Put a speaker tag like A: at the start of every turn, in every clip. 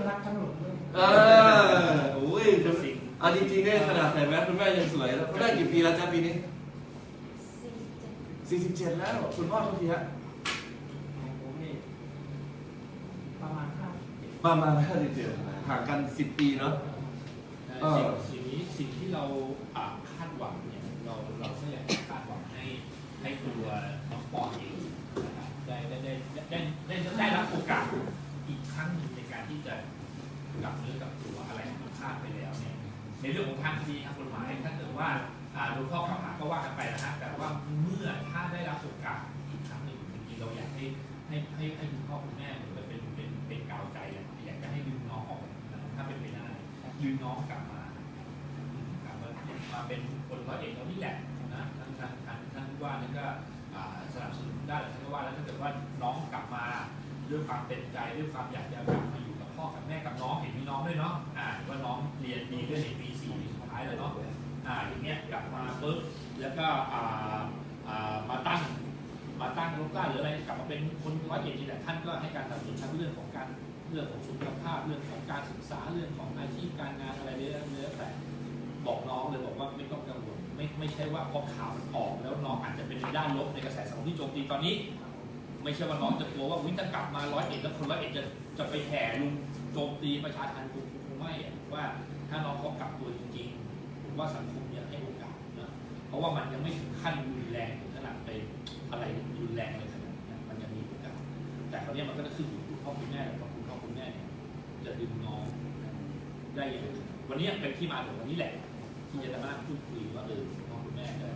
A: รักทั้งหลงเลย
B: โอ้ยเอาจริงๆเนี่ยขนาดใส่แมสคุณแม่ยังสวยแล้วคุณแม่กี่ปีแล้วจ๊ะปีนี้47แล้วคุณพ่อเท่าไหร่ฮะ
A: ของผมนี่ประมาณ
B: 57ห่างกัน10 ปีเนาะ
C: สิ่งที่เราคาดหวังเนี่ยเราก็อยากคาดหวังให้ตัวน้องปอนเองนะครับได้รับโอกาสอีกครั้งหนึ่งในการที่จะกลับเนื้อกลับตัวอะไรที่มันพลาดไปแล้วเนี่ยในเรื่องของทางคดีทางกฎหมายถ้าเกิดว่าโดนข้อกล่าวหาก็ว่ากันไปนะฮะแต่ว่าเมื่อถ้าได้รับโอกาสอีกครั้งหนึ่งจริงๆเราอยากให้คุณพ่อคุณแม่เหมือนเป็นกาวใจอยากจะให้ดึงน้องออกถ้าเป็นไปได้ดึงน้องกลับมาเป็นคนร้อยเอกเรานี่แหละนะท่านว่านั่นก็สนับสนุนได้ท่านก็ว่าแล้วถ้าเกิดว่าน้องกลับมาด้วยความเต็มใจด้วยความอยากจะกลับมาอยู่กับพ่อกับแม่กับน้องเห็นมีน้องด้วยเนาะว่าน้องเรียนดีด้วยในปี4ปีสุดท้ายเลยเนาะอย่างเงี้ยกลับมาปุ๊บแล้วก็มาตั้งรกล้าหรืออะไรกลับมาเป็นคนร้อยเอกนี่แหละท่านก็ให้การสนับสนุนทั้งเรื่องของสุขภาพเรื่องของการศึกษาเรื่องของอาชีพการงานอะไรเรื่อยๆแต่บอกน้องเลยบอกว่าไม่ต้องกังวลไม่ใช่ว่าพอข่าวมันออกแล้วน้องอาจจะเป็นด้านลบในกระแสสังคมที่โจมตีตอนนี้ไม่ใช่ว่าน้องจะกลัวว่าถ้ากลับมาร้อยเอ็ดแล้วคนร้อยเอ็ดจะไปแห่ลุงโจมตีประชาชนคงไม่ว่าถ้าน้องเขากลับตัวจริงๆผมว่าสังคมยังให้โอกาสนะเพราะว่ามันยังไม่ถึงขั้นรุนแรงถึงขนาดไปอะไรรุนแรงเลยขนาดนั้นมันยังมีโอกาสแต่คราวนี้มันก็จะขึ้นอยู่คุณพ่อคุณแม่กับคุณพ่อคุณแม่เนี่ยจะดึงน้องได้ยังไงวันนี้เป็นที่มาของวันนี้แหละที่จะมาพูดคุยว่าพ่อคุณแม่จะ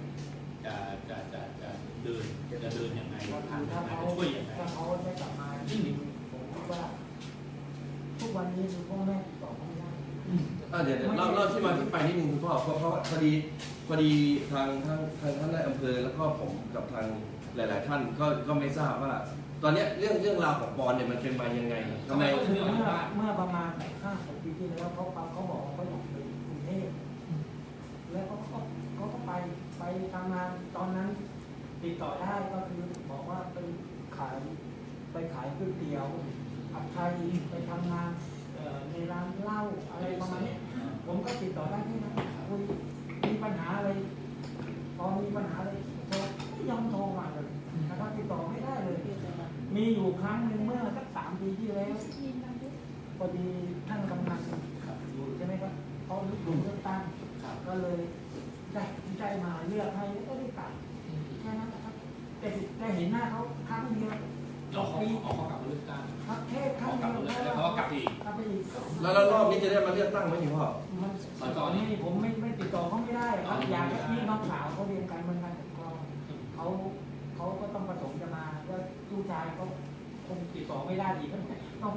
C: เดินยังไงทางจะช่วยยังไง
A: ถ้าเขาได้กลับมาจริงผมคิดว่าทุกวันนี้คือพ่อแม่ติดต่อไม่ได้
B: เดี๋ยวเล่าที่มาที่ไปนิดนึงคุณพ่อเพราะพอดีทางท่านนายอำเภอแล้วก็ผมกับทางหลายๆท่านก็ไม่ทราบว่าตอนนี้เรื่องราวของปอนเนี่ยมันเป็นมายังไงทำไม
A: เมื่อประมาณ5-6 ปีที่แล้วเขาบอกว่าเขาอยากไปกรุงเทพแล้วเขาก็ไปทำงานตอนนั้นติดต่อได้ก็คือบอกว่าไปขายก๋วยเตี๋ยวผัดไทยไปทำงานในร้านเหล้าอะไรประมาณนี้ผมก็ติดต่อได้ที่นั้นคุณมีปัญหาอะไรพอมีปัญหาอะไรโทรไม่ยอมโทรมาเลยนะครับติดต่อไม่ได้เลยมีอยู่ครั้งหนึ่งเมื่อสัก3 ปีที่แล้วพอดีท่านกำนันอยู่ใช่ไหมครับเขาอยู่เลือกตั้งก็เลยได้มาเลือกให้ก็ได้กลับแค่นั้นนะครับแต่เห็นหน้าเขาครั้งเดียว
C: ปีเขากลับมาเลือกตั้ง
A: ครับแค่ครั้งเดียว
C: แล้วเขาก็กลับอีก
B: แล้วรอบนี้จะได้มาเลือกตั้งไหมอยู่พ่อ
A: ตอนนี้ผมไม่ติดต่อเขาไม่ได้ครับอยากให้พี่น้องสาวเขาเรียนการเมืองการปกครองเขาก็ต้องประสงค์จะมาก็ลูกชายเขาคงติดต่อไม่ได้อีกต้อง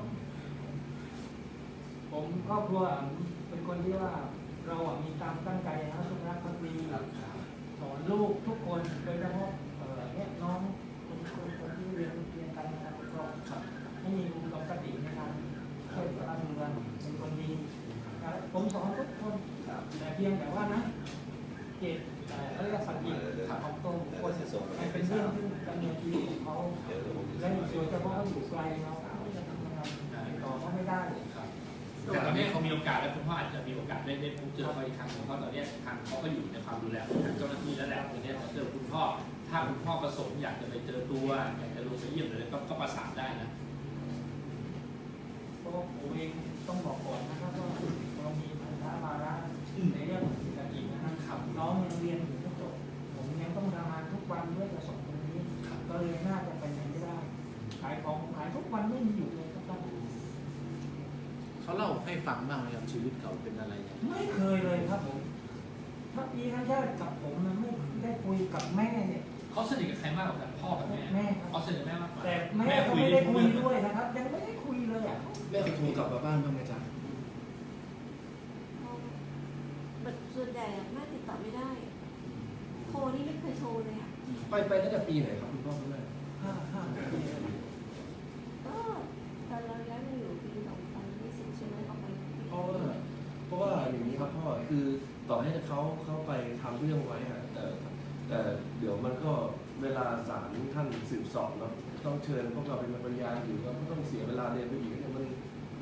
A: ผมครอบครัวเป็นคนที่ว่าเรามีความตั้งใจนะทุกรักทุกปีสอนลูกทุกคนโดยเฉพาะเนี่ยน้องคนที่เรียนการงานปกครองให้มีอุดมคติในการช่วยบ้านเมืองเป็นคนดีผมสอนทุกคนแต่เพียงแต่ว่านะเจตเรียกสัจจะของตรงคนมันเป็นเรื่องที่ดำเนินชีวิตของเขาและโดยเฉพาะเขาอยู่ไกลเราจะทำงานติดต่อเขาไม่ได้
C: แต่ตอนนี้เขามีโอกาสแล้วคุณพ่ออาจจะมีโอกาสได้พบเจอเขาอีกครั้งเพราะตอนนี้ทางเขาก็อยู่ในความดูแลของทางเจ้าหน้าที่แล้วแหละตอนนี้เขาเจอคุณพ่อถ้าคุณพ่อประสงค์อยากจะไปเจอตัวอยากจะลงไปเยี่ยมเลยก็ประสานได้นะ
A: เพราะผมเองต้องบอกก่อนนะครับว่าเรามีภาระภาระในเรื่องของเศรษฐกิจนะครับน้องยังเรียนอยู่ไม่จบผมยังต้องทำงานทุกวันเพื่อจะส่งตรงนี้ก็เลยน่าจะไปไหนไม่ได้ขายของขายทุกวันไม่มีอยู่เลยครับ
D: เขาเล่าให้ฟังบ้างไหมครับชีวิตเขาเป็นอะไร
A: ไม่เคยเลยครับผมถ้าพี่ท่านญาติกับผมมันไม่ได้คุยกับแม่เนี่ย
C: เขาสนิทกับใครมากกว่ากันพ่อกับแม่เขาสนิทกับแม่มากกว่า
A: แต่แม่ก็ไม่ได้คุยด้วยนะครับยังไม่ได้คุยเลยอ่ะ
D: แม่เคยโทรกลับมาบ้านบ้างไหมจ๊ะ
E: ส่วนใหญ่แม่ติดต่อไม่ได้โทรนี่ไม่เคยโทรเลยอ่ะ
B: ไปตั้งแต่ปีไหนครับคุณพ่อคุณแม่
A: 5 ปี
E: ก็ตอนเราย้ายมาอยู่ปี2020ใช่ไหมออกไป
B: เพราะว่าอย่างนี้ครับพ่อคือต่อให้เขาไปทำเรื่องไว้แต่เดี๋ยวมันก็เวลาศาลท่านสืบสอบเนาะต้องเชิญพวกเราเป็นพยานอยู่ก็ต้องเสียเวลาเรียนไปอีกเนี่ยมัน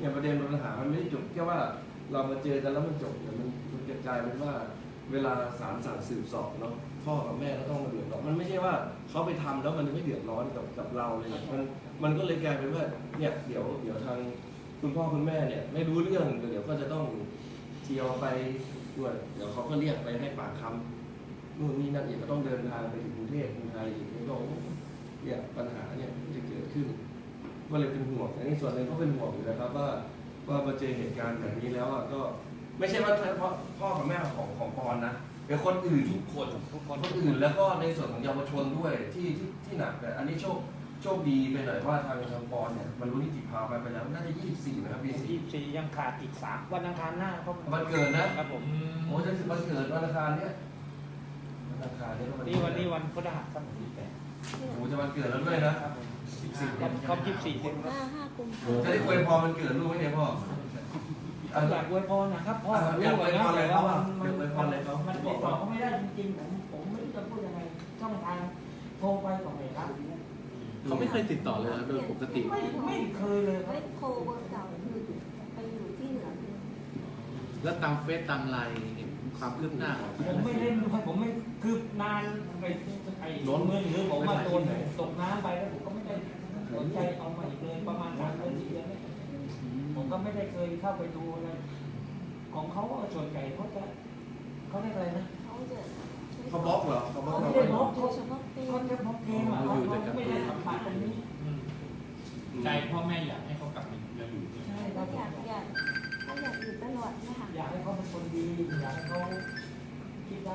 B: เนี่ยประเด็นปัญหามันไม่ได้จบแค่ว่าเรามาเจอกันแล้วมันจบแต่มันจะกลายเป็นว่าเวลาศาลสั่งสืบสอบเนาะพ่อกับแม่ก็ต้องมาเดือดร้อนมันไม่ใช่ว่าเขาไปทำแล้วมันจะไม่เดือดร้อนกับเราเลยมันก็เลยกลายเป็นว่าเนี่ยเดี๋ยวทางคุณพ่อคุณแม่เนี่ยไม่รู้เรื่องเดี๋ยวก็จะต้องเที่ยวไปด้วยเดี๋ยวเขาก็เรียกไปให้ปากคำนู่นนี่นั่นอีกก็ต้องเดินทางไปถึงกรุงเทพกรุงไทยอีกก็เนี่ยปัญหาเนี่ยจะเกิดขึ้นก็เลยเป็นห่วงแต่ในส่วนหนึ่งก็เป็นห่วงอยู่นะครับว่ามาเจอเหตุการณ์แบบนี้แล้วก็ไม่ใช่ว่าเฉพาะพ่อกับแม่ของปอนนะเป็นคนอื่น
C: ทุกคน
B: คนอื่นแล้วก็ในส่วนของเยาวชนด้วยที่หนักแต่อันนี้โชคดีไปหน่อยว่าทางปอนเนี่ยบรรลุนิติภาวะไปแล้วน่าจะ24นะครับพี่
A: 24ยังขาดอีก3วันอังคารหน้าเขา
B: วันเกิดนะครับ
A: ผม
B: โอ้จะถึงวันเกิดวันอังคารเนี่ยวันอังคารเนี่ยก็
A: วันนี้วันพฤหัสบดีแต่
B: โอ้จะวันเกิดแล้วด้วยนะครับ
A: ครบ24เดือน
E: 5 กุมภา
B: จะได้อวยพรวันเกิดลูกไหมเนี่ยพ่อ
A: อยากอวยพรนะครับพ่อ
B: อยากอวยพรอะไร
A: แต่
B: เขา
A: ว่า
B: อยากอวยพรอะไรเขา
A: มันติดต่อเขาไม่ได้จริงๆผมไม่รู้จะพูดยังไงช่องทางโทรไปก็ไม่รับ
D: เขาไม่เคยติดต่อเลยนะโดยปกติ
A: ไม่เคยเลยครับ
E: เล่นโคเบอร์เก่าคือไปอยู่ที่เหนือ
D: แล้วตามเฟซตามไลน์เห็นความคืบหน้าของ
A: ผมไม่เล่นด้วยผมไม่คือนานไปไอ้โดนเงินหรือผมว่าโดนตกน้ำไปแล้วผมก็ไม่ได้สนใจเอามาอีกเลยประมาณ3 เดือน 4 เดือนเนี่ยผมก็ไม่ได้เคยเข้าไปดูอะไรของเขาส่วนใหญ่เขาเรียกอะไรนะ
E: เขาจะ
B: เขาบล็อกเหรอเขาบล็อก
A: เขา
B: เรา
A: ไม่
B: เหร
A: ได้บล็
B: อ
A: อก
E: โดยเฉพาะปี
A: เขาจะบล็อกเกมอ่ะเขาไม่ได้สัมผัสตรงนี้
C: ใจพ่อแม่อยากให้เขากลับมาอยู่ด้วย
A: ใช่ค
E: ก็
A: รับ
E: อยากอยู่ตลอดนะคะ
A: อยากให้เขาเป็นคนดีอยากให้เขาคิดได้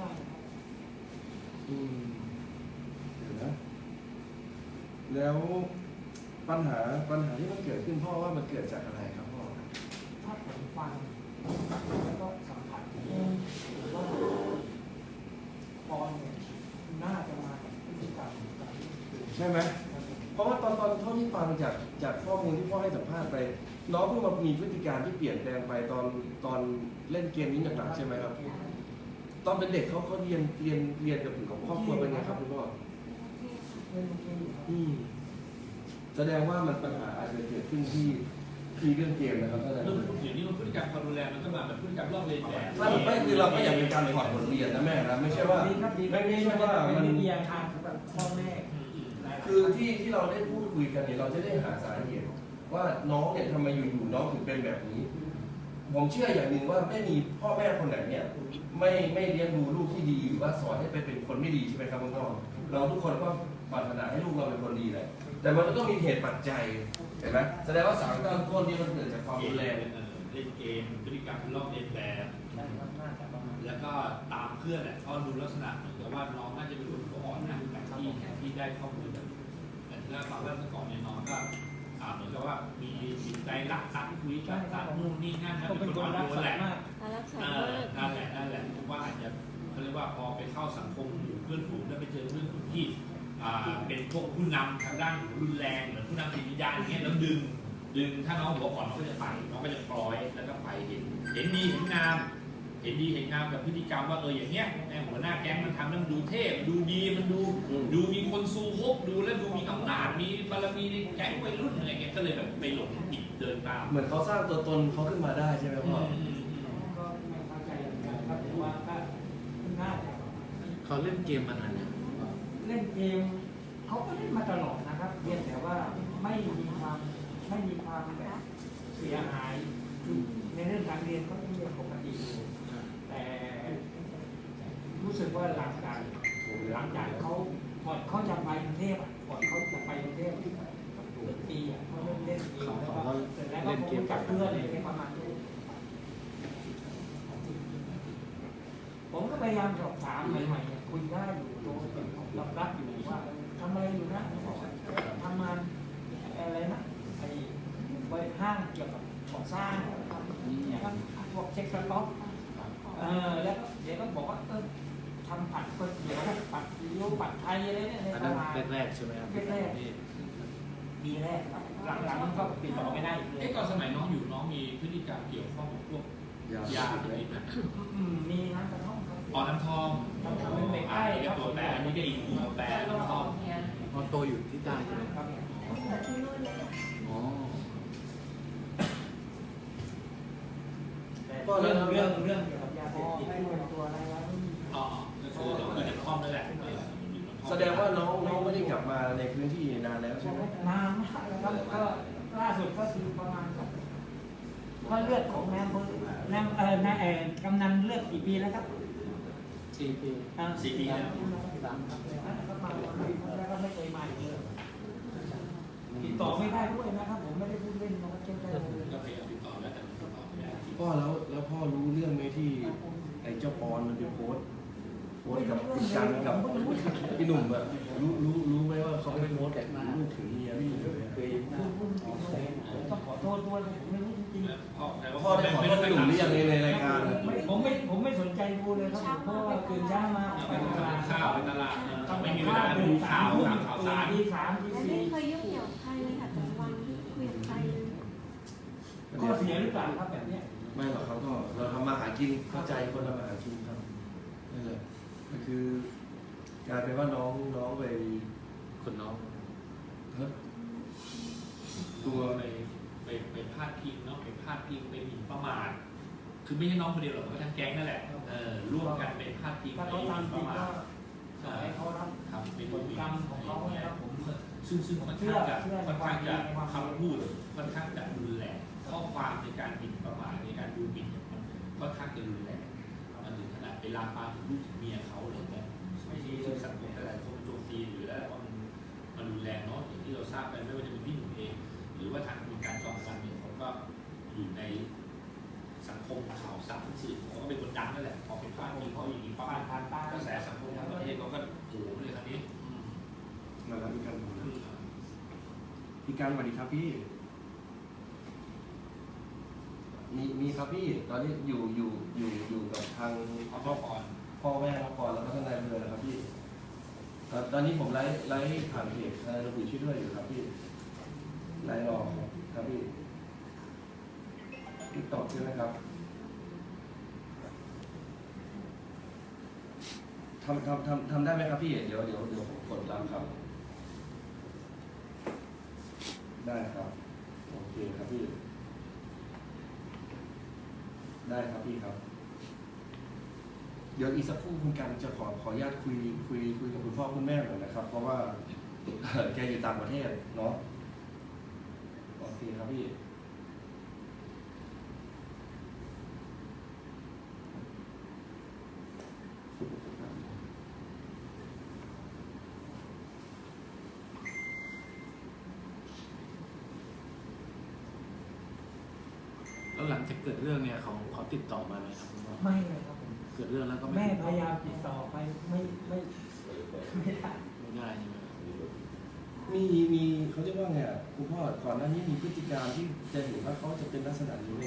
B: เดี๋ยวนะแล้วปัญหาที่มันเกิดขึ้นพ่อว่ามันเกิดจากอะไรครับพ่อ
A: ถ้าผมฟังแล้วก็สัมผัสหรือว่าปอนเนี่ยน่าจะมาจากพฤติกรรมการเล่นเกม
B: ใช่ไหมเพราะว่าตอนเท่าที่ฟังจากข้อมูลที่พ่อให้สัมภาษณ์ไป น้องเพิ่งมามีพฤติการที่เปลี่ยนแปลงไปตอนเล่นเกมนี้หนักๆใช่ไหมครับ ตอนเป็นเด็กเขาเรียนกับครอบครัวเป็นไงครับคุณพ่อ
A: เล่นเกมอยู่ครับ
B: แสดงว่ามันปัญหาอาจจะเกิดขึ้นที่เรื่องเกมนะครับท่านอาจาร
C: เรื่อง
B: ย์
C: เดี๋ยวนี้มันพฤติกรรมความรุนแรงมันก็มาแบบพฤติกรรมลอกเลียนแบบ
B: ไม่คือเราก็อยากเป็นการถอดบทเรียนนะแม่นะไม่ใช่ว่า
A: ดีครับดี
B: ไม่ใช่ว่า
A: เป็
B: มัน
A: นวิทยาทานสำหรับพ่อแม่
B: คือที่เราได้พูดคุยกันเนี่ยเราจะได้หาสาเหตุว่าน้องเนี่ยทำไมอยู่ๆน้องถึงเป็นแบบนี้ ผมเชื่ออย่างหนึ่งว่าไม่มีพ่อแม่คนไหนเนี่ยไม่เลี้ยงดูลูกที่ดีหรือว่าสอนให้เป็นคนไม่ดีใช่ไหมครับคุณพ่อเราทุกคนก็ปรารถนาให้ลูกเราเป็นคนดีแหละแต่มันก็ต้องมีเหตุปัจจัยเห็นไหมแสดงว่าสารตั้งต้นนี่มันเกิดจากความรุนแรง
C: เล่นเกมพฤติกรรมลอกเลียนแบบ
A: น่าจะประมาณ
C: แล้วก็ตามเพื่อนเขาดูลักษณะเหมือนกับว่าน้องน่าจะเป็นคนหัวอ่อนนะจากที่ได้ข้อมูลแบบแต่ถ้าฟังเรื่องก่อนเนี่ยน้องก็เหมือนกับว่ามีจิตใจรักสัตว์คุยกับสัตว์นู่นนี่นั่นนะ
A: เขา
C: เป็
A: เป็น น
C: ค
A: คน น
C: อ่อน
A: รัก
C: โยน
A: สัต
C: แหละ
A: ว์มาก
E: รักษา
C: นั่นแหละผมว่าอาจจะเขาเรียกว่าพอไปเข้าสังคมอยู่เพื่อนฝูงแล้วไปเจอเพื่อนฝูงที่เป็นพวกผู้นำทางด้านรุนแรงเหมือนผู้นำจิตวิญญาณอย่างเงี้ยแล้วดึงถ้าน้องหัวอ่อนน้องก็จะไปน้องก็จะปล่อยแล้วก็ไปเห็นดีเห็นงามกับพฤติกรรมว่าอย่างเงี้ยหัวหน้าแก๊งมันทำแล้วมันดูเท่ดูดีมันดูมีคนซูฮกดูแล้วดูมีอำนาจมีบารมีในแก๊งวัยรุ่นอะไรเงี้ยก็เลยแบบไปหลงผิดเดินตาม
B: เหมือนเขาสร้างตัวตนเขาขึ้นมาได้ใช่ไหมพ่อ
A: ก็ไม่เข้าใจเหมือนกันครับแต่ว่าก็น่าจะ
D: เขาเล่นเกมมานานเนี่ยง
A: เล่นเกมเขาก็เล่นมาตลอดนะครับเพียงแต่ว่าไม่มีความแบบเสียหายคือในเรื่องการเรียนเขาเรียนปกติอยู่แต่รู้สึกว่าหลังจากเขาก่อนเขาจะไปกรุงเทพก่อนเขาจะไปกรุงเทพปีเขาเล่นเกมแล้วก็เสร็จแล้วก็คงจับเพื่อนอะไรประมาณนี้ผมก็พยายามสอบถามใหม่ๆคุยได้อยู่โตรับอยู่ว่าทำอะไรอยู่นะทำงานอะไรนะไอ้บริห้างเกี่ยวกับก่อสร้างเนี่ยครับพวกเช็คสต็อกแล้วเดี๋ยวก็บอกว่าทำผัดก๋วยเตี๋ยวผัดซีอิ๊วผัดไทยอะไรเนี่ยใน
D: อัน
A: ต
D: นั้น
A: ลาด
D: แรกๆใช่ไหมครับ
A: แรก ปีแรกครับหลังๆมันก็ติดต่อไม่ได้อีกเลย
C: ก่อนสมัยน้องอยู่น้องมีพฤติกรรมเกี่ยวข้องกับพวกยาติดนะ
A: มีน้ำกระท่อมครับ
C: อ๋อน้ำทอง
A: น้ำกระท่อมเป็นเด็กใกล้
C: นี่
A: ค
C: ก็
A: รับ
C: ตัวแปรอันนี้ก็อีกตัวแปรน้ำทอง
D: พอโตอยู่ที่ใต้ใช่ไหม
A: ครับ
E: ที่นู่นเลย
D: อ๋อ
B: พ่อ
A: เรื่
B: แล้
A: อ
B: ว
A: งเรื่องเกี่ยวกับยาเสพติดตัวอะไรแล้วไม่มี
C: อ๋อก็คือเราก็จะคล่อมนั่นแหละ
B: แสดงว่าน้องไม่ได้กลับมาในพื้นที่นานแล้วใช่ไหม
A: นานมากแล้วครับก็ล่าสุดก็คือประมาณก็เลือดของแม่กำนันเลือดกี่ปีแล้วครับ
D: 4 ปี
C: 4 ปีแล้ว
A: ก็มาแล้วก็ไม่เคยมาอีกเลยติดต่อไม่ได้ด้วยนะครับผมไม่ได้พูดเล่นนะครับเช่นกันเลย
C: ก็พยายามติดต่อแล้วแต่ติดต่อไม่ได้
B: พ่อแล้วพ่อรู้เรื่องไหมที่ไอ้เจ้าปอนมันไปโพสต์กับคุณกันกับพี่หนุ่มอะรู้ไหมว่าเขาไปโพสต์ลูกถึงเมียพี่เลย
A: ต้องขอโทษด้วยผมไม่รู้จริง
B: พ่อได้ขอโทษพี่หนุ่มหรือยังในรายการอะ
A: ๆผมไม่สนใจดูเลยครับเพราะว่าตื่นเช้ามา
C: ไปตลาดข้าวไปตลาดไม่มีเวลาดูข่าวตามข่าวสาร
A: ที่3ที่
E: และไม่เคยยุ่งเกี่ยวกับใครเลยค่ะแต่วันที่คุยกับใครเลย
A: 4ก็เสียหรือเปล่าครับแบบเนี้ย
B: ไม่หรอกครับก็เราทำมาหากินเข้าใจคนทำมาหากินครับนั่นแหละก็คือกลายเป็นว่าน้องไป
D: คนน้อง
B: ตัว
C: ไปพาดพิงเนาะไปพาดพิงไปหมิ่นประมาทคือไม่ใช่น้องคนเดียวหรอกก็ทั้งแก๊งนั่นแหละร่วมกันไปพาดพิง
A: ถ้า
C: ไป
A: เขา
C: หมิ่น
A: ทำจ
C: ป
A: ริ
C: ระ
A: ง
C: มา
A: ก็
C: ท
A: ขอให้เขารับ
C: ครับเป็น
A: ผลกรรมของเขานะครับผม
C: ซึ่งค่อนข้างจะคำพูดค่อนข้างจะรุนแรงข้อความในการหมิ่นประมาทในการดูหมิ่นมันค่อนข้างจะรุนแรงมันถึงขนาดไปลามปามถึงลูกถึงเมียเขาเลยนะไม่ใช่ซึ่งสังคมอะไรคนโจมตีหรืออะไรว่ามันรุนแรงเนาะอย่างที่เราทราบกันไม่ว่าจะเป็นพี่หนุ่มเอง หรือว่าทางคุณการจอมพลันเนี่ยเขาก็อยู่ในสังคมข่าวสารสื่อเขาก็เป็นคนดังนั่นแหละพอเป็นพาดพิงเขาอย่างนี้ปั๊บกระแสสังคมทั้งประเทศเขาก็โอ้โหเลยคราวนี้
B: มาแล้วพี่กันพี่กันสวัสดีครับพี่มีครับพี่ตอนนี้อยู่กับทาง
C: เอาข้อก่อน
B: พ่อแม่ครับก่อนแล้วก็ทนายอำเภอนะครับพี่ตอนนี้ผมไลฟ์ผ่านเพจทนายระบุช่วยด้วยอยู่ครับพี่ไลฟ์รอครับพี่ติ๊กต็อกใช่ไหมครับทำได้ไหมครับพี่เดี๋ยวผมกดรับครับได้ครับโอเคครับพี่ได้ครับพี่ครับเดี๋ยวอีกสักครู่คุณกันจะขออนุญาตคุยกับคุณพ่อคุณแม่หน่อยนะครับ เพราะว่า แกอยู่ต่างประเทศเนาะโอเคครับพี่
D: แล้วหลังจากเกิดเรื่องเนี่ยเขาติดต่อมาไหมครับคุณพ่อ
A: ไม่เลยครับผม
D: เกิดเรื่องแล้วก็
A: แม่พยายามติดต่อไปไม่ได้
D: ไม่ได้ใช่ไหม
B: มีเขาเรียกว่าไงอ่ะคุณพ่อก่อนหน้านี้มีพฤติการที่จะเห็นว่าเขาจะเป็นลักษณะนี้เลย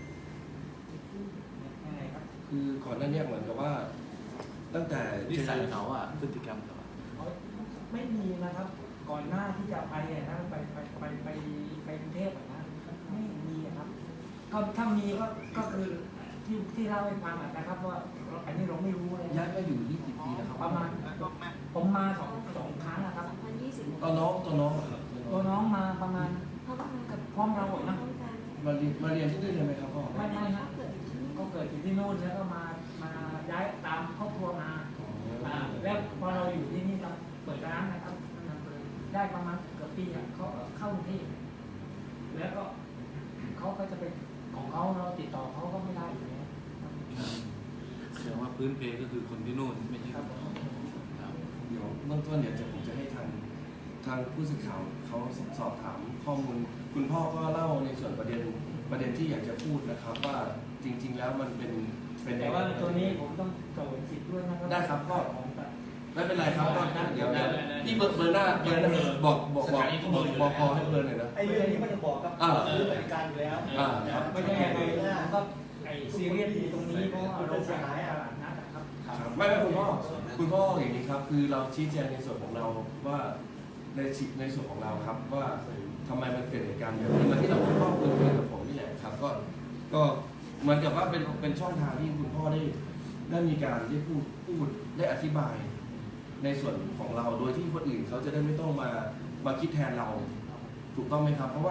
A: ยังไงครับ
B: คือก่อนหน้านี้เหมือนกับว่า ตั้งแต่
D: นิสัยเขาอ่ะพฤติกรรมเขาอะ
A: ไม่มีนะครับ ก่อนหน้าที่จะไปนะไปกรุงเทพนะไม่มีครับก็ถ้ามีก็คือที่เล่าให้ฟังนะครับว่าอันนี้เราไม่รู้เลย
B: ย้ายมาอยู่ที่กี่ปีแล้วครับ
A: ประมาณผมมาสองครั้งนะครับ
E: 2020
B: ตอนน้องเหรอครับ
A: ตัวน้องมาประมาณ
E: เขาทำกับ
A: พร้อมเรานะ
E: ต้องการ
B: มาเรียนที่นี่เลยไหมครับพ่อ
A: ไม่ฮะ
E: เกิดที่นี่
A: ก็เกิดอยู่ที่นู่นแล้วก็มาย้ายตามครอบครัวมาแล้วพอเราอยู่ที่นี่เราเปิดร้านนะครับได้ประมาณเกือบปีเขาเข้ากรุงเทพแล้วก็เขาก็จะเป็นของเขาเราติดต่อเขาก็ไม่ได้อยู่แล้ว
D: แสดงว่าพื้นเพก็คือคนที่นู่นไม่ใช่
A: ครับ
D: ครับ
B: เดี๋ยวเบื้องต้นเดี๋ยวผมจะให้ทางผู้สื่อข่าวเขาสอบถามข้อมูล คุณพ่อก็เล่าในส่วนประเด็นที่อยากจะพูดนะครับ ว่าจริง ๆ แล้วมันเป็น
A: แต่ว่าตัวนี้ผมต้องโจทย์สิทธิ์ด้วยนะครั
B: ได้ครับพ่อ
A: ของ
B: ไม่เป็นไรครับก็เดี๋ยวพี่เบอร์หน้าบอกพอให้เบอร์หน่อยนะ
F: ไอ้เรื่องนี้มันจะบอกกับซื้อบริการอยู่แล้ว
B: ครับ
A: ไม่ใช่ยังไงผมก็ไอ้ซีเรียสอยู่ตรงนี้เพราะว่าเราเสียหายตลาดนัดนะครับ
B: ไม่คุณพ่ออย่างนี้ครับ คือเราชี้แจงในส่วนของเราว่าในส่วนของเราครับว่าทำไมมันเกิดเหตุการณ์แบบนี้มันที่เราพ่อคุยกับผมนี่แหละครับก็เหมือนกับว่าเป็นช่องทางที่คุณพ่อได้มีการได้พูดได้อธิบาย ในส่วนของเราโดยที่คนอื่นเขาจะได้ไม่ต้องมาคิดแทนเราถูกต้องไหมครับ เพราะว่า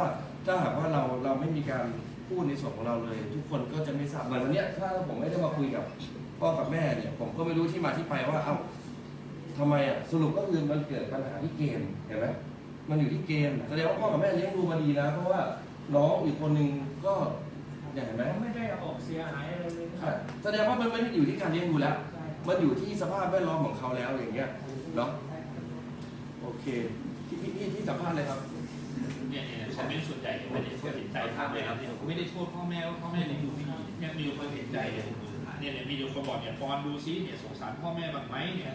B: ถ้าหากว่าเราไม่มีการพูดในส่วนของเราเลย ทุกคนก็จะไม่ทราบเหมือนวันเนี้ยถ้าผมไม่ได้มาคุยกับพ่อกับแม่เนี่ยผมก็ไม่รู้ที่มาที่ไปว่าเอ้าทำไมอ่ะสรุปก็คือมันเกิดปัญหาที่เกมเห็นไหมมันอยู่ที่เกมแสดงว่าพ่อกับแม่เลี้ยงดูมาดีนะเพราะว่าน้องอีกคนนึงก็เห็นไหม
A: ไม่ได้ออกเสียหายอะไรเลย
B: ใช่แสดงว่ามันไม่ได้อยู่ที่การเลี้ยงดูแล้ว
A: ใช่
B: มันอยู่ที่สภาพแวดล้อมของเขาแล้วอย่างเงี้ยเนาะโอเคที่สัมภาษณ์เลยครับ
C: เนี่ยคอมเมนต์ส่วนใหญ่ไม่ได้เห็นใจพ่อแม่เนี่ยไม่ได้โทษพ่อแม่ว่าพ่อแม่เลี้ยงดูไม่ดีเนี่ยมีคนเห็นใจเนี่ยมีคนบอกเนี่ยปอนดูซิเนี่ยสงสารพ่อแม่บ้างไหมเนี่ย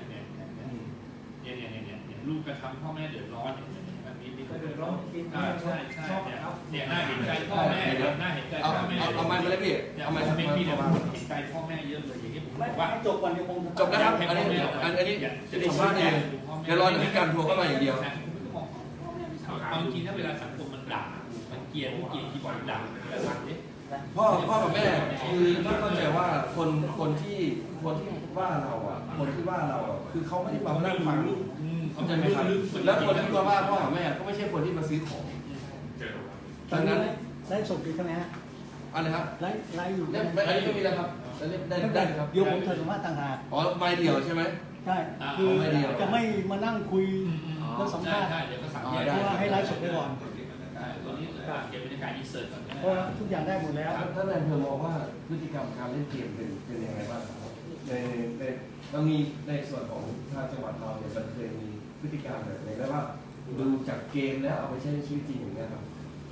C: ลูกกระทำพ่อแม่เดือดร้อนอย่างนี้แบบนี้มี
A: ก็เดือดร้อนกิน
C: ใช่เนี่ยน่าเห็นใจพ่อแม่น่าเห็นใจพ่อแม่
B: เอาไม้มาเลยพี่
C: เนี่ย
B: เอาไม้
C: คอม
B: ทำ
C: เมน
B: มา
C: ต์มีแต่เห็นใจพ่อแม่เยอะเลยอย่างนี้ผม
F: ไม่
C: บอกว่า
F: ให้จบก่อนเดี๋ยวผม
B: จบแล้วครับอันนี้จะสัมภาษณ์เองเดี๋ยวรอจะมีการโทรเข้ามาอย่างเดียว
C: เอาจริงถ้าเวลาสังคมมันด่ามันเกลียดที่บอกด่าแต่ฟังดิ
B: พ่อกับแม่คือต้องเข้าใจว่าคนที่ว่าเราอ่ะคนที่ว่าเราอ่ะคือเขาไม่ได้มานั่งฟังเข้าใจไหมครับแล้วคนที่มาว่าพ่อกับแม่ก็ไม่ใช่คนที่มาซื้อของดังนั้น
F: ไลฟ์สดอยู่ใช่ไหมฮะ
B: อะไรครับ
F: ไลฟ์อยู่
B: เนี่ยอันนี้ก็มีแล้วครับได้ครับ
F: เดี๋ยวผมจะสัมภาษณ์ต่างหาก
B: อ๋อไม้เดียวใช่ไหม
F: ใช่คือจะไม่มานั่งคุยแล้วสัมภาษณ์
C: ใช่เดี๋ยวก็สั่ง
B: อ๋อ
C: แยก
B: ได้
F: เพราะว่าให้ไลฟ์สดไปก่อน
C: ตัวนี้เก็บบรรยากาศอินเสิร์ตก่อน
F: เพราะว่าทุกอย่างได้หมดแล้ว
B: ท่านนายอำเภอมองว่าพฤติกรรมการเล่นเกมเป็นยังไงบ้างครับในเรามีในส่วนของทางจังหวัดเราเนี่ยมันเคยมีพฤติกรรมแบบไหนได้ว่าดูจากเกมแล้วเอาไปใช้ในชีวิตจริงอย่างเงี้ยครับ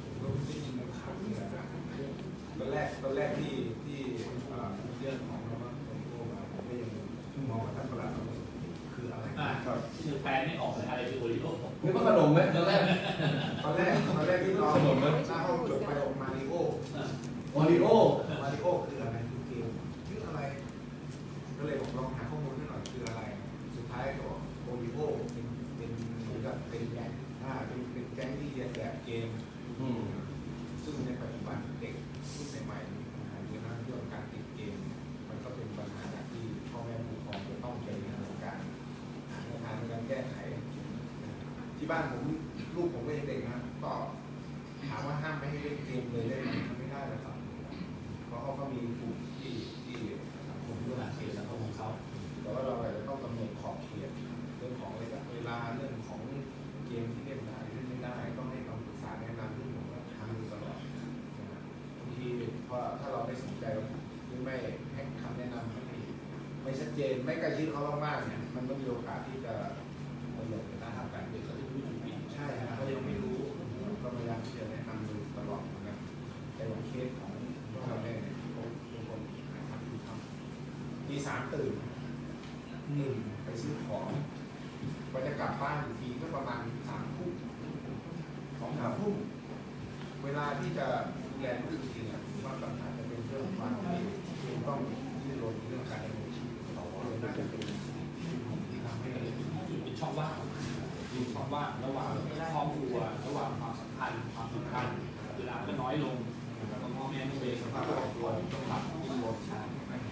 G: ตอนแรกที่เรื่องของเราว่าผมโทรมาผมก็ยังมองว่าท่านประหลัดคืออะไร
C: คือแปลไม่ออกเลยอะไรคือโอริโอ
B: นึกว่าขนมไหมตอนแรก
G: ตอนแรกที่เราหน้าห้องจบไปออกมาริโอ
B: โอริโอ
G: มาริโอคืออะไรคือเกมชื่ออะไรก็เลยบอกลองหาข้อมูลให้หน่อยคืออะไร สุดท้ายก็บอกโอริโอเป็นเหมือนกับเป็นแก๊งเป็นแก๊งที่เรียนแบบเกม ซึ่งในปัจจุบันเด็กรุ่นใหม่ๆมีปัญหาเยอะมากเรื่องการติดเกม มันก็เป็นปัญหาที่พ่อแม่ผู้ปกครองจะต้องไปดำเนินการหาแนวทางในการแก้ไข ที่บ้านผมลูกผมก็ยังเด็กนะก็ถามว่าห้ามไม่ให้เล่นเกมเลยได้ไหมไม่ได้นะครับเพราะเขาก็มีกลุ่มที่สังคมเรื่องเกมสังคมของเขาแต่ว่าเราอาจจะต้องกำหนดขอบเขตเรื่องของเวลาเรื่องของเกมที่เล่นได้เล่นไม่ได้ต้องให้คำปรึกษาแนะนำที่ผมก็ทำอยู่ตลอดบางทีพอถ้าเราไม่สนใจหรือไม่ให้คำแนะนำไม่ชัดเจนไม่ใกล้ชิดเขามากๆเนี่ยมันก็มีโอกาสที่จะมันหลงไปได้การเด็กเขาจะรู้อยู่ปีใช่ครับเขายังไม่รู้ก็พยายามที่จะแนะนำอยู่ตลอดนะครับแต่วันเคสของพวกเราเนี่ยทุกคนนะครับที่ทำตีสามตื่นไปซื้อของก็จะกลับบ้านอีกทีก็ประมาณ3 ทุ่ม2-3 ทุ่มเวลาที่จะดูแลลูกจริงๆว่าปัญหาจะเป็นเรื่องความที่ต้องที่รนเรื่องการดำเนินชีวิตเราเลยน่าจะเป็นที่ทำให้
C: เป็นช่องว่างระหว่างครอบครัวระหว่างความสัมพันธ์เวลาก็น้อยลงแล้วก็พ่อแม่ไม่เป็นสภาพครอบครัวต้องรับที่รวมชา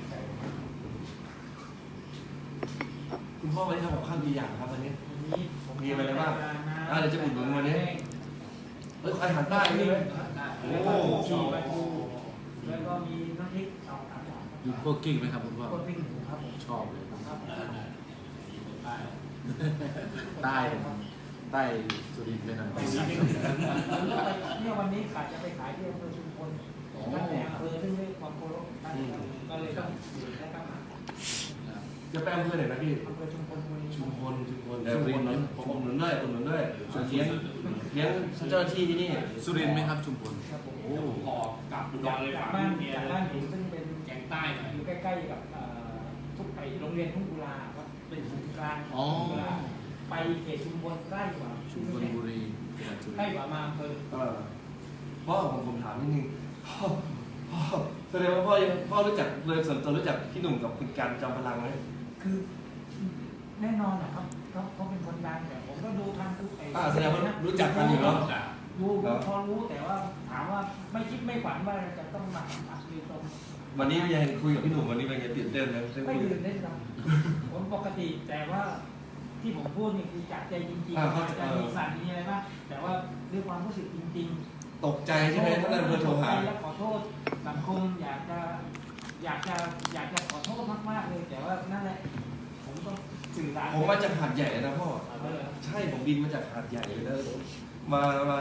B: คุณพ่อวันนี้ทำกับข้าวกี่อย่างครับวันนี้
A: นี้
B: มีอะไรบ้างเดี๋ยวจะอุดหนุนวันนี้อาหารใต้ใช่ไหม
A: แล้วก็มีปลาทูแล้วก็มีน้ำพริกสองสามอย่าง
D: อยู่พวกกิ้งไหมครับคุณพ่อ
A: คนปิ้งหมูครับผม
D: ชอบเลย
A: ครับ
D: ใต้สุรินทร์ไปหน่อย
A: เนี่ยวันนี้ขาดจะไปขายที่อำเภอชุมพลนั่นแหละอำเภอซึ่งได้ความเคารพท่านก็เลยต้องอยู่และก็มา
B: จะไปอำเภอไหนนะพี่
A: อำเภอชุมพลบุรี
B: ชุมพลแต่ผมอุดหนุนด้วยเลี้ยงเจ้าหน้าที่ที่นี่
D: สุรินทร์ไหมครับชุมพล
A: ครับผม
C: โอ้พอกลับอุดรเลย
A: จาก
C: ฝาก
A: บ้าน
C: เมีย
A: จาก
C: เล
A: บ้าน
C: ย
A: ผมซึ่งเป็น
C: แกงใต้หน่อย
A: อยู่ใกล้ๆกับทุกไปโรงเรียนทุ่งกุลาครับเป็นศูนย์กลาง
D: อ๋อ
A: ทุ่งกุลาไปเขตชุมพลใกล้กว่า
D: ชุมพลบุรีจังหวัดสุริ
A: ใกล้
D: นทร์
A: กว่ามาอำเภอ
B: พ่อผมถามนิดนึงพ่อแสดงว่าพ่อรู้จักเลยส่วนตัวรู้จักพี่หนุ่มกับคุณการจอมพลังไหม
A: คือแน่นอนนะครับเขาเป็นคนดังแต่ผมก็ดูทางทุกไอ้
B: แสดงว่ารู้จักกันอยู่เนาะ
A: ดูพอรู้แต่ว่าถามว่าไม่คิดไม่ฝันว่าจะต้องมาสัมผัสโดยตรง
B: วันนี้ยังคุยกับพี่หนุ่มวันนี้เป็นไงตื่นเต้นไหม
A: ไม่ตื่นเต้นหรอกผมปกติแต่ว่าที่ผมพูดนี่คือจากใจจริงๆอาจจะมีสั่นมีอะไรบ้างแต่ว่าด้วยความรู้สึกจริงๆ
B: ตกใจใช่ไหมท่านนายอำเภอโทรหา
A: แล้วขอโทษสังคมอยากจะขอโทษมากๆเลยแต่ว่านั่นแหละผมก็สื่อสาร
B: ผมมาจากหาดใหญ่นะพ่อ
A: เออ
B: ใช่ผมบินมาจากหาดใหญ่เลยนะมา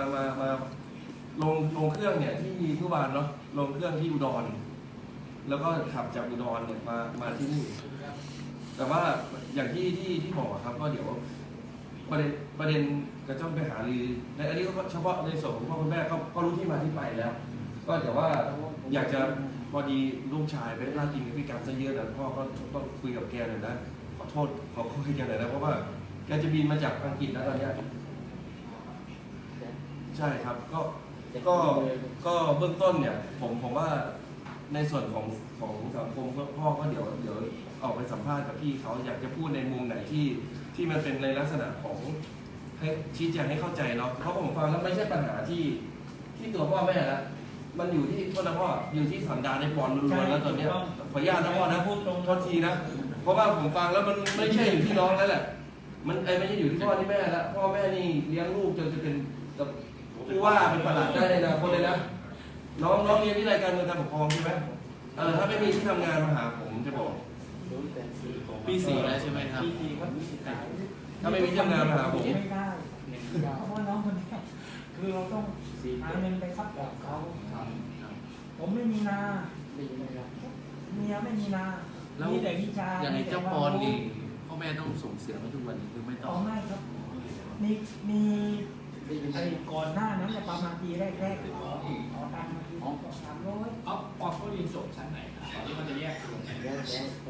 B: ลงเครื่องเนี่ยที่ทุบานเนาะลงเครื่องที่อุดร แล้วก็ขับจากอุดรเนี่ยมาที่นี่ แต่ว่าอย่างที่บอกอะครับก็เดี๋ยวประเด็นกระจ้องไปหารือในอันนี้ก็เฉพาะในส่วนของพ่อคุณแม่ก็รู้ที่มาที่ไปแล้ว ก็แต่ว่าอยากจะพอดีลูกชายไปพลาดพิงพฤติกรรมซะเยอะนะพ่อก็ต้องคุยกับแกหน่อยนะขอโทษขอคุยกันหน่อยนะเพราะว่าแกจะบินมาจากอังกฤษแล้วตอนเนี้ยใช่ครับก็เบื้องต้นเนี่ยผมว่าในส่วนของสังคมพ่อก็เดี๋ยวออกไปสัมภาษณ์กับพี่เขาอยากจะพูดในมุมไหนที่มันเป็นในลักษณะของให้ชี้แจงให้เข้าใจเนาะเพราะผมฟังแล้วไม่ใช่ปัญหาที่ตัวพ่อแม่ละมันอยู่ที่โทษนะพ่ออยู่ที่สันดานในบอลล้วนๆแล้วตอนเนี้ยขออนุญาตนะพ่อนะพูดตรงโทษทีนะเพราะว่าผมฟังแล้วมันไม่ใช่อยู่ที่น้องแล้วแหละมันไม่ใช่อยู่ที่พ่อที่แม่ละพ่อแม่นี่เลี้ยงลูกจนจะเป็นผู้ว่าเป็นประหลัดได้ในอนาคตเลยนะน้องเรียนวิทยาการเมืองการปกครองใช่ไหมถ้าไม่มีที่ทำงานมาหาผมจะบอก
D: ปี 4แล้วใช่ไหมครับ
A: ปี4ครับปี4
B: ถ้าไม่มีที่ทำงานมาหาผม
A: ไม่ได้เพราะว่าน้องคนนี้คือเราต้องหาเงินไปซัพพอร์ตเขา ผมไม่มีนาเมียไม่มีนา
D: แล้ว
A: มีแต่วิชา
D: อย่างไอ้เจ้าปอนนี่พ่อแม่ต้องส่งเสียมาทุกวันนี้คือไม่ต้
A: ต่
D: อ
A: อง ไม่ครับมีไอ้ก่อนหน้านั้นเนี่ยประมาณปีแรกๆขอตังค์มาที300
C: เอาปอเขาเรียนจบชั้นไหนนะตอนนี้มันจะแยกตัวไหน
A: ม6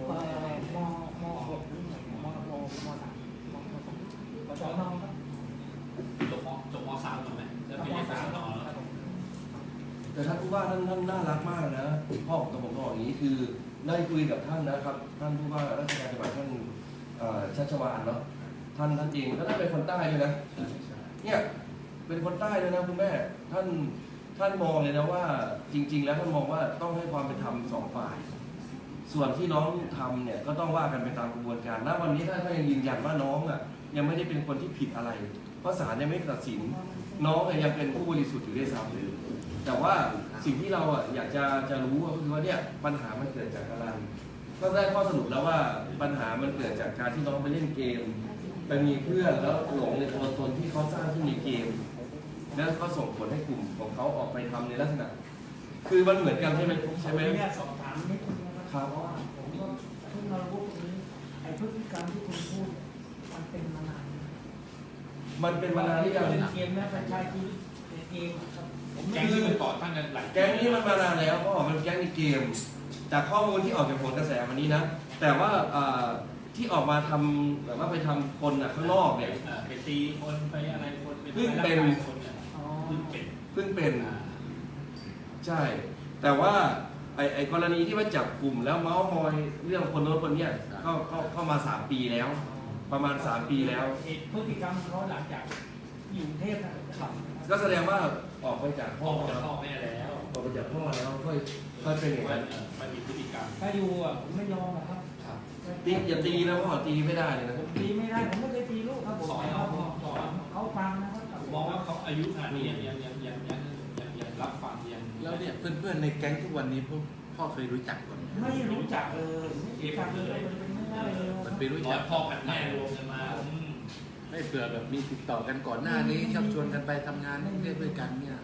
A: หรือไงม3ปจนครับ
C: จบม3ถูกไหมแล้วไปเรียน3ต่อแล้ว
B: แต่ท่านผู้ว่าท่านน่ารักมากนะพ่อกับผมบอกอย่างนี้คือได้คุยกับท่านนะครับท่านผู้ว่าราชการจังหวัดท่านชัชวาลเนาะท่านเองท่านเป็นคนใต้เลยนะเนี่ยเป็นคนใต้เลยนะคุณแม่ท่านมองเลยนะว่าจริง ๆ แล้วท่านมองว่าต้องให้ความเป็นธรรม2 ฝ่าย ส่วนที่น้องทำเนี่ยก็ต้องว่ากันไปตามกระบวนการณวันนี้ท่านก็ยังยืนยันว่าน้องอ่ะยังไม่ได้เป็นคนที่ผิดอะไรเพราะศาลยังไม่ตัดสินน้องยังเป็นผู้บริสุทธิ์อยู่ด้วยซ้ำแต่ว่าสิ่งที่เราอ่ะอยากจะรู้ก็คือว่าเนี่ยปัญหามันเกิดจากอะไรก็ได้ข้อสรุปแล้วว่าปัญหามันเกิดจากการที่น้องไปเล่นเกมไปมีเพื่อนแล้วหลงในตัวตนที่เขาสร้างขึ้นในเกมแล้วก็ส่งผลให้กลุ่มของเขาออกไปทำในลักษณะคือมันเหมือนกันใช่ไหม
A: เนี่ยสอบถามนิดนึงนะครับเพราะว่าผมก็เพิ่งมารู้ตรงนี้ไอ้พฤติกรรมที่คุณพูดมันเป็นมานาน
B: มันเป็นมานานหรือยัง
A: เล่นเกมนะเป็นชายที่เล่นเกมครับผม
C: แก๊งที่มันต่อตั้งกันหลาย
B: แก๊งนี้มันมานานแล้วเพราะว่ามันแก๊งในเกมจากข้อมูลที่ออกจากผลกระแสวันนี้นะแต่ว่าที่ออกมาทำแบบว่าไปทำคนข้างนอกเนี่ย
C: ไปตีคนไปอะไรคน
B: เพิ่งเป็น
C: คนเนี่ย
A: อ๋อ
C: เพิ่งเป็น
B: เพิ่งเป็นใช่ แต่ว่าไอ้กรณีที่ว่าจับกลุ่มแล้วเมาส์มอยเรื่องคนโน้นคนเนี้ยก็เข้ามา3 ปีแล้ว ประมาณ3 ปีแล้ว
A: พฤติกรรมเขาหลังจากอยู่กรุงเทพนะครับ
B: ก็แสดงว่าออกไปจาก
C: พ่
B: พ่
C: อ
B: อ
C: จะพ่อแม่แล้ว
B: ออกไปจากพ่อแล้วค่อยเป็นอย่างนั้น
C: มันมีพฤติกรรม
A: ถ้าอยู่อ่ะผมไม่ยอมนะครับ
B: ตีอย่าตีนะพ่อตีไม่ได้เลยนะ
A: ผมตีไม่ได้ผมไม่เคยตีลูกครับผมแต่ว่าผมสอนเขาฟังนะครับ
C: ผมมองว่าเขาอายุขนาดนี้ยังรับฟังยัง
D: แล้วเนี่ยเพื่อนๆในแก๊งทุกวันนี้พ่อเคยรู้จักก่อนไหม
A: ไม่รู้จักเลยไม่รู้จักเลยมันเป็นไม่ได้เลย
D: มันไปรู้
C: ร้อ
D: จั
C: ย
D: ก
C: พ่อกับแม่รวมกันมา
D: ไม่เผื่อแบบมีติดต่อกันก่อนหน้านี้ชักชวนกันไปทำงานเรื่อยๆด้วยกันเนี่ย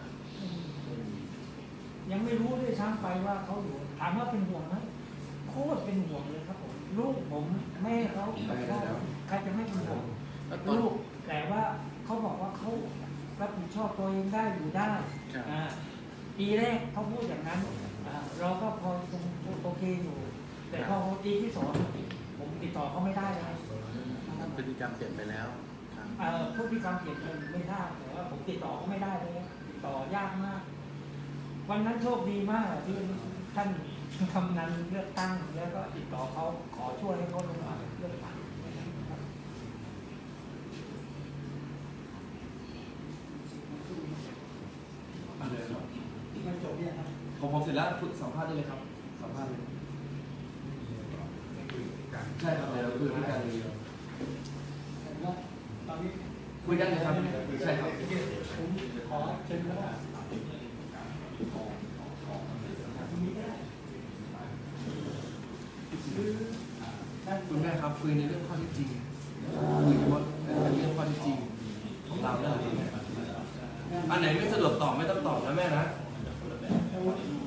A: ยังไม่รู้ด้วยซ้ำไปว่าเขาอยู่ถามว่าเป็นห่วงไหมโคตรเป็นห่วงเลยครับผมลูกผมแม่เขาใครจะไม่เป็นห่วง
D: แล้วตอน
A: ลูกแต่ว่าเขาบอกว่าเขารับผิดชอบตัวเองได้อยู่ได้
D: ครับ
A: ปีแรกเขาพูดอย่างนั้นเราก็พอโอเคอยู่ แต่พอปีที่ 2ผมติดต่อเขาไม่ได้เลย
D: พฤติกรรมเปลี่ยนไปแล้วครับ
A: พฤติกรรมเปลี่ยนไปไม่ได้แต่ว่าผมติดต่อเขาไม่ได้เลยติดต่อยากมาก วันนั้นโชคดีมากที่ท่านกำนันเลือกตั้งแล้วก็ติดต่อเขาขอช่วยให้เขาลงมาเลือกตั้ง มันจบเนี่ยครับ
B: ผมเสร็จแล้วสัมภาษณ์ได้เลยครับสัมภาษณ์เลยใช่ครับเดี๋ยวคุยกันเลย
A: ตอนนี้
B: คุยกันเลยครับใช่ครับ
A: ผมขอเชิญแล้วว่า
B: คุณแม่ครับคุยในเรื่องข้อเท็จจริงคุยเฉพาะในเรื่องข้อเท็จจริงของเราเนี่ยอันไหนไม่สะดวกตอบไม่ต้องตอบนะแม่นะ
A: แต่ว่า